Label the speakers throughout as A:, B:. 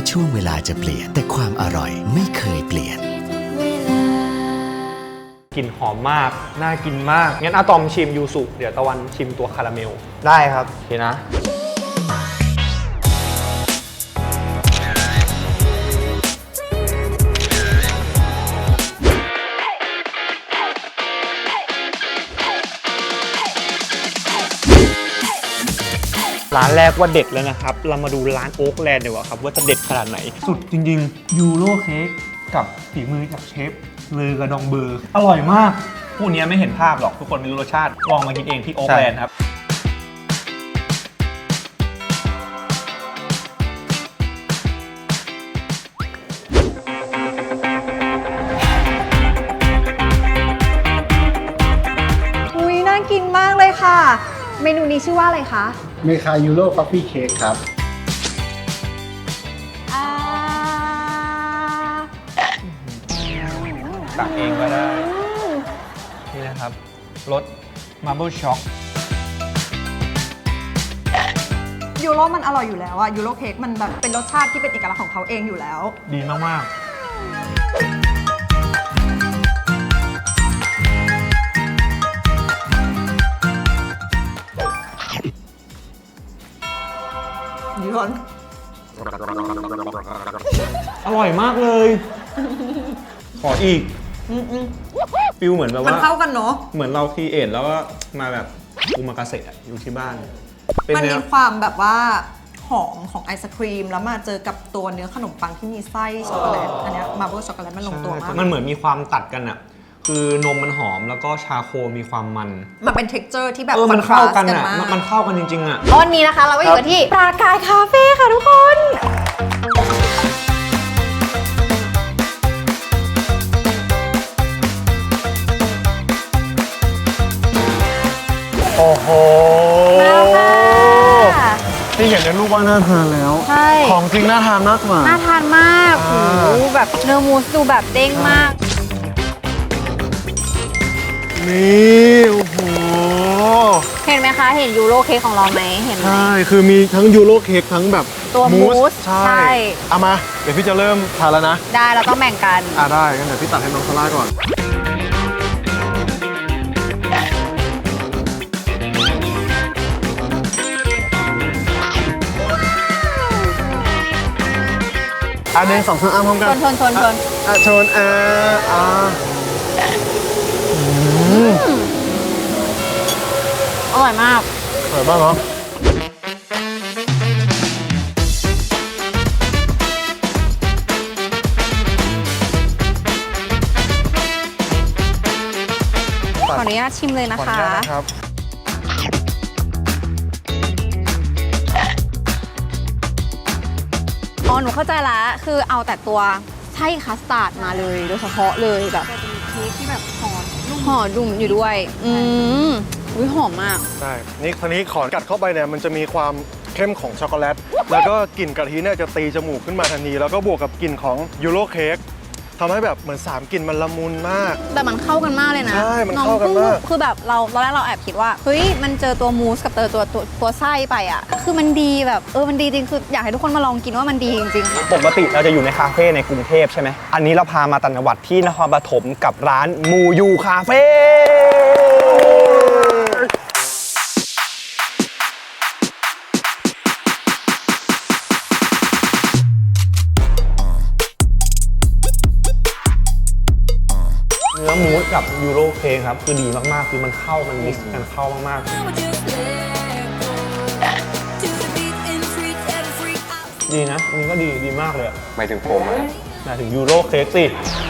A: ช่วงเวลาจะเปลี่ยนแต่ความอร่อยไม่เคยเปลี่ยน
B: กลิ่นหอมมากน่ากินมากงั้นอะตอมชิมยูสุเดี๋ยวตะวันชิมตัวคาราเมล
C: ได้ครับ
B: โอเคนะร้านแรกว่าเด็ดแล้วนะครับเรามาดูร้านโอ๊กแลนด์ดีกว่าครับว่าจะเด็ดขนาดไหนสุดจริงๆยูโรเค้กกับฝีมือจากเชฟเลอกระดองเบอร์อร่อยมากผู้นี้ไม่เห็นภาพหรอกทุกคนไม่รู้รสชาติลองมากินเองที่โอ๊กแลนด์ครับ
D: อุ้ยน่ากินมากเลยค่ะเมนูนี้ชื่อว่าอะไรคะ
E: เมคายูโรฟัฟฟี่เค้กครับ
B: ตักเองก็ได้นี่นะครับรสมาร์เบิลช็อก
D: ยูโรมันอร่อยอยู่แล้วอะยูโรเค้กมันแบบเป็นรสชาติที่เป็นเอกลักษณ์ของเขาเองอยู่แล้ว
B: ดีมาก
D: ๆย้อน
B: อร่อยมากเลยขออีกฟิลเหมือนแบบว่า
D: มันเข้ากันเนาะ
B: เหมือนเราครีเอทแล้วก็มาแบบอุมากาเสะอยู่ที่บ้าน
D: มันมีความแบบว่าหอมของไอศครีมแล้วมาเจอกับตัวเนื้อขนมปังที่มีไส้ช็อกโกแลตอันนี้มาร์เบิลช็อกโกแลตมันลงตัวมาก
B: มันเหมือนมีความตัดกันอะคือนมมันหอมแล้วก็ชาโคมีความมัน
D: เป็น texture ที่แบบ
B: มันเข้ากันอะมันเข้ากันจริงๆอะ
D: วันนี้นะคะเราก็อยู่กันที่ปรากายคาเฟ่ค่ะทุกคน
B: โอ้โหที่เห็นในรูปว่าน่าทานแล้ว
D: ใช่
B: ของจริงน่าทานมากกว่า
D: น่าทานมากโอ้โหแบบเนื้อมูสดูแบบเด้งมาก
B: นี่โอ้โห
D: เห็นไหมคะเห็นยูโรเค้กของเราไหมเห็นไหม
B: ใช่คือมีทั้งยูโรเค้กทั้งแบบ
D: ตัวมูส
B: ใช่เอามาเดี๋ยวพี่จะเริ่มทานแล้วนะ
D: ได้เราต้องแบ่งกัน
B: ได้งั้นเดี๋ยวพี่ตัดให้น้องซาร่าก่อน1 2 3พร้อมกัน
D: ชน
B: ชน
D: อร่อยมาก
B: อร่อยมากเนาะ
D: ขออนุญาตชิมเลยนะคะอ๋อหนูเข้าใจละคือเอาแต่ตัวไส้คัสตาร์ดมาเลยโดยเฉพาะเลยแบบจะมีเค้กที่แบบห่อดุ่มอยู่ด้วยอุ้ยหอมมาก
B: ใช่นี่คราวนี้ขอกัดเข้าไปเนี่ยมันจะมีความเข้มของช็อกโกแลตแล้วก็กลิ่นกะทิเนี่ยจะตีจมูกขึ้นมาทันทีแล้วก็บวกกับกลิ่นของยูโรเค้กทำให้แบบเหมือน3กลิ่นมันละมุนมาก
D: แต่มันเข้ากันมากเลยนะ
B: ใช่มันเข้ากันมาก
D: คือแบบเราตอนแรกเราแอบคิดว่าเฮ้ยมันเจอตัวมูสกับตัวไส้ไปอ่ะคือมันดีแบบมันดีจริงคืออยากให้ทุกคนมาลองกินว่ามันดีจริง
B: ๆปกติเราจะอยู่ในคาเฟ่ในกรุงเทพใช่ไหมอันนี้เราพามาต่างจังหวัดที่นครปฐมกับร้านมูยูคาเฟ่เนื้อมูสกับยูโรเค้กครับคือดีมากๆคือมันเข้ามันมิกซ์กันเข้ามากๆดีนะอันนี้ก็ดีมากเลย
C: หมายถึงผม
B: หมายถึงยูโรเค้กสิ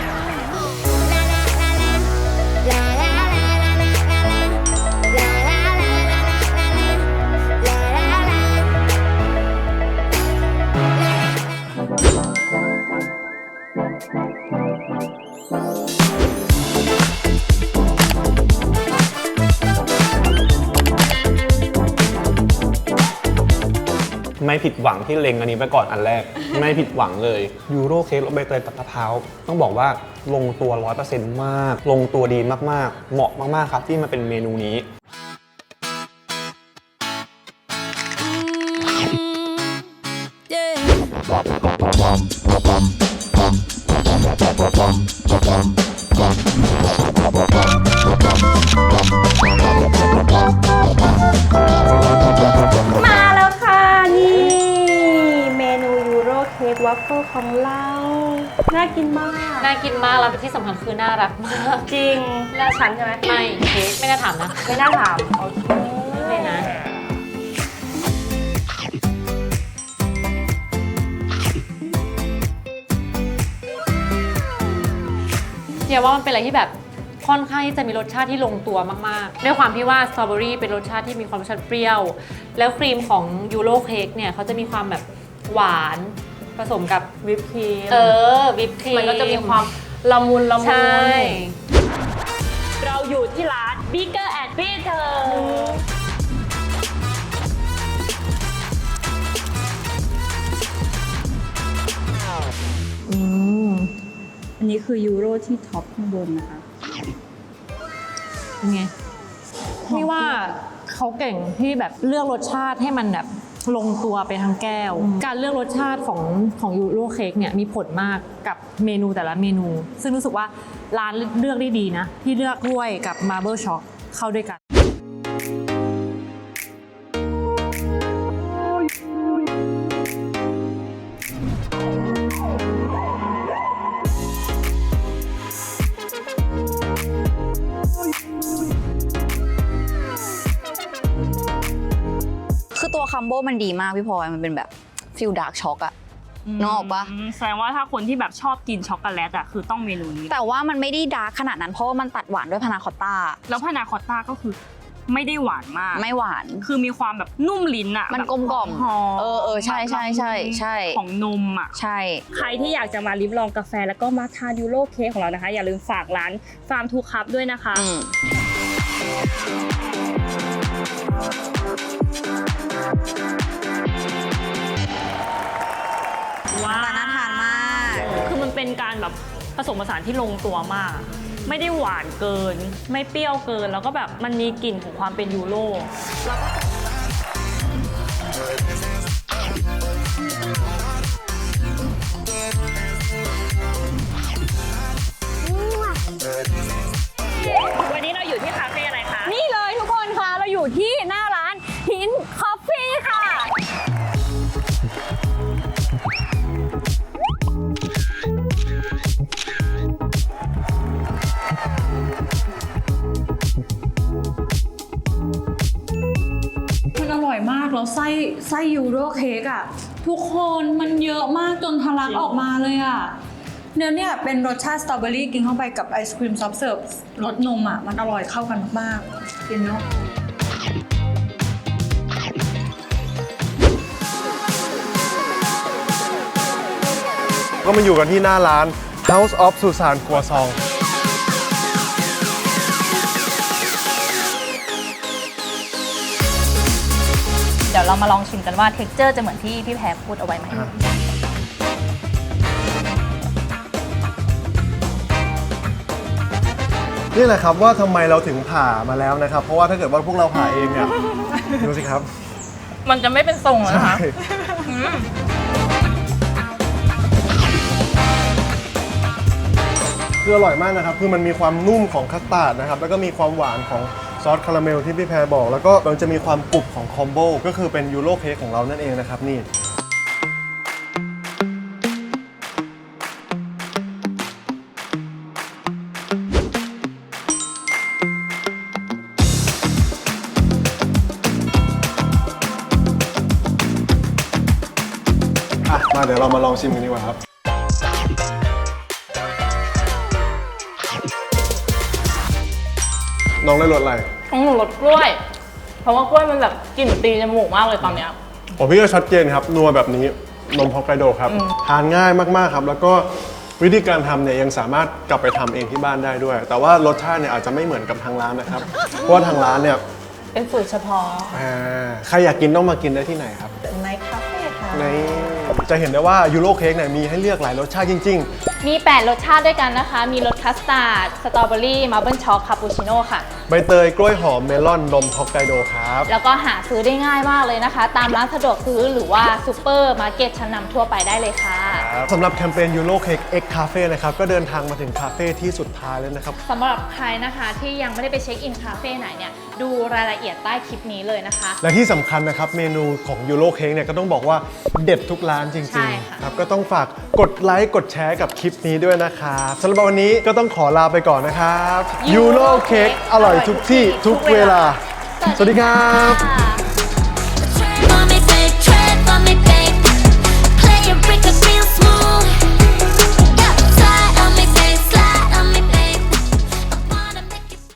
B: ไม่ผิดหวังที่เล็งอันนี้ไปก่อนอันแรก ไม่ผิดหวังเลยยูโรเค้กรสใบเตยกับมะพร้าวต้องบอกว่าลงตัว 100% มากลงตัวดีมากๆเหมาะมากๆครับที่มาเป็นเมนูนี้
C: มาแล้วค่ะนี่เมนูยูโรเค้กวัฟเฟิลของเรา น่ากินมาก
F: น่ากินมากแล้วที่สำคัญคือน่ารักมาก
C: จริงน่าชันใช่ไหม
F: ไม่เค้กไม่น่าถามนะ
C: ไม่น่าถามโอเค
F: ไม่นะเดี๋ยวว่ามันเป็นอะไรที่แบบค่อนข้างที่จะมีรสชาติที่ลงตัวมากๆด้วยความที่ว่าสตรอเบอรี่เป็นรสชาติที่มีความรสชาติเปรี้ยว แล้วครีมของยูโรเค้กเนี่ยเขาจะมีความแบบหวานผสมกับ
C: วิปครีม
F: วิปครีม
C: มันก็จะมีความละมุน
F: ใช่
C: เราอยู่ที่ร้าน Bigger and Better อันนี้คือยูโรที่ท็อปข้างบนนะคะ
F: เป็นไงนี่ว่าเขาเก่งที่แบบเลือกรสชาติให้มันแบบลงตัวไปทางแก้ว การเลือกรสชาติของยูโรเค้กเนี่ยมีผลมากกับเมนูแต่ละเมนู ซึ่งรู้สึกว่าร้านเลือกได้ดีนะ ที่เลือกกล้วยกับมาร์เบิลช็อกเข้าด้วยกัน
D: คือตัวคัมโบมันดีมากพี่พลอยมันเป็นแบบฟิลดาร์กช็อกอะนึกออกปะ
C: แสดงว่าถ้าคนที่แบบชอบกินช็อกโกแลตอ่ะคือต้องเมนูนี้
D: แต่ว่ามันไม่ได้ดาร์กขนาดนั้นเพราะว่ามันตัดหวานด้วยพานาคอตต้า
C: แล้วพานาคอตต้าก็คือไม่ได้หวานมาก
D: ไม่หวาน
C: คือมีความแบบนุ่มลิ้นอะ
D: มัน
C: แบบ
D: กลมกล่อม
C: หอม
D: ใช่ใช่ใช่ใช่
C: ของนมอะ
D: ใช่
C: ใครที่อยากจะมาลิ้มลองกาแฟแล้วก็มาทานยูโรเค้กของเรานะคะ อย่าลืมฝากร้านฟาร์มทูคัพด้วยนะคะ ว้าว
D: น่าทานมาก
C: คือมันเป็นการแบบผสมผสานที่ลงตัวมาก ไม่ได้หวานเกิน ไม่เปรี้ยวเกิน แล้วก็แบบมันมีกลิ่นของความเป็นยูโร วันนี้เราอยู่ที่คาเฟ่อะไรคะ
F: นี่เลยทุกคนคะเราอยู่ที่หน้าร้านหินคอฟฟี่ค่ะ
G: มันอร่อยมากแล้วไส้ยูโรเค้กอ่ะทุกคนมันเยอะมากจนทะลักออกมาเลยอ่ะเนี่ยเป็นรสชาติสตรอเบอรี่กินเข้าไปกับไอศครีมซอฟต์เสิร์ฟรสนมอ่ะมันอร่อยเข้ากันมากๆกินเนาะ
H: ก็มาอยู่กันที่หน้าร้าน House of Susan Croissant
C: เดี๋ยวเรามาลองชิมกันว่าเท็กเจอร์จะเหมือนที่พี่แพรพูดเอาไว้ไหม
H: นี่แหละครับว่าทำไมเราถึงผ่ามาแล้วนะครับ เพราะว่าถ้าเกิดว่าพวกเราผ่าเองเนี่ย ดูสิครับ
C: มันจะไม่เป็นทรงแล้วนะคะ
H: ใช่คืออร่อยมากนะครับ คือมันมีความนุ่มของคัสตาร์ดนะครับ แล้วก็มีความหวานของซอสคาราเมลที่พี่แพรบอก แล้วก็มันจะมีความกรุบของคอมโบก็คือเป็นยูโรเค้กของเรานั่นเองนะครับนี่ มาเดี๋ยวเรามาลองชิมกันดีกว่าครับ น้องได้รสอะไร
C: ของหนูรสกล้วย เพราะว่ากล้วยมันแบบกลิ่นตีจมูกมากเลยตอนเนี้ย
H: ผมพี่ก็ชัดเจนครับ นัวแบบนี้นมฮอกไกโดครับ ทานง่ายมากๆครับ แล้วก็วิธีการทำเนี่ยยังสามารถกลับไปทำเองที่บ้านได้ด้วย แต่ว่ารสชาติเนี่ยอาจจะไม่เหมือนกับทางร้านนะครับ เพราะว่าทางร้านเนี่ย
C: เป็นสูตรเฉพาะ
H: ใครอยากกินต้องมากินได้ที่ไหนครับ
C: ในคาเฟ่ค่ะ
H: ในจะเห็นได้ว่ายูโรเค้กเนี่ยมีให้เลือกหลายรสชาติจริง
F: มี 8 รสชาติด้วยกันนะคะ มีรสคัสตาร์ด สตรอเบอรี่ มาร์เบิลช็อก คาปูชิโน่ค่ะ
H: ๆ ใบเตยกล้วยหอมเมลอนนมฮอกไกโดครับ
F: แล้วก็หาซื้อได้ง่ายมากเลยนะคะ ตามร้านสะดวกซื้อหรือว่าซูเปอร์มาร์เก็ตชั้นนำทั่วไปได้เลยค่ะ
H: ครับสำหรับแคมเปญยูโรเค้กเอ็กคาเฟ่นะครับก็เดินทางมาถึงคาเฟ่ที่สุดท้ายแล้วนะครับ
I: สำหรับใครนะคะที่ยังไม่ได้ไปเช็คอินคาเฟ่ไหนเนี่ยดูรายละเอียดใต้คลิปนี้เลยนะคะ
H: และที่สำคัญนะครับเมนูของยูโรเค้กเนี่ยก็ต้องบอกว่าเด็ดทุกร้านจ
I: ใช่
H: ริง
I: ค่ะ
H: ๆครับก็ต้องฝากกดไลค์กดแชร์กับคลิปนี้ด้วยนะครับสำหรับวันนี้ก็ต้องขอลาไปก่อนนะครับยูโรเค้กอร่อยทุกที่ทุกเวลา สวัสดีครับ
I: ค่ะ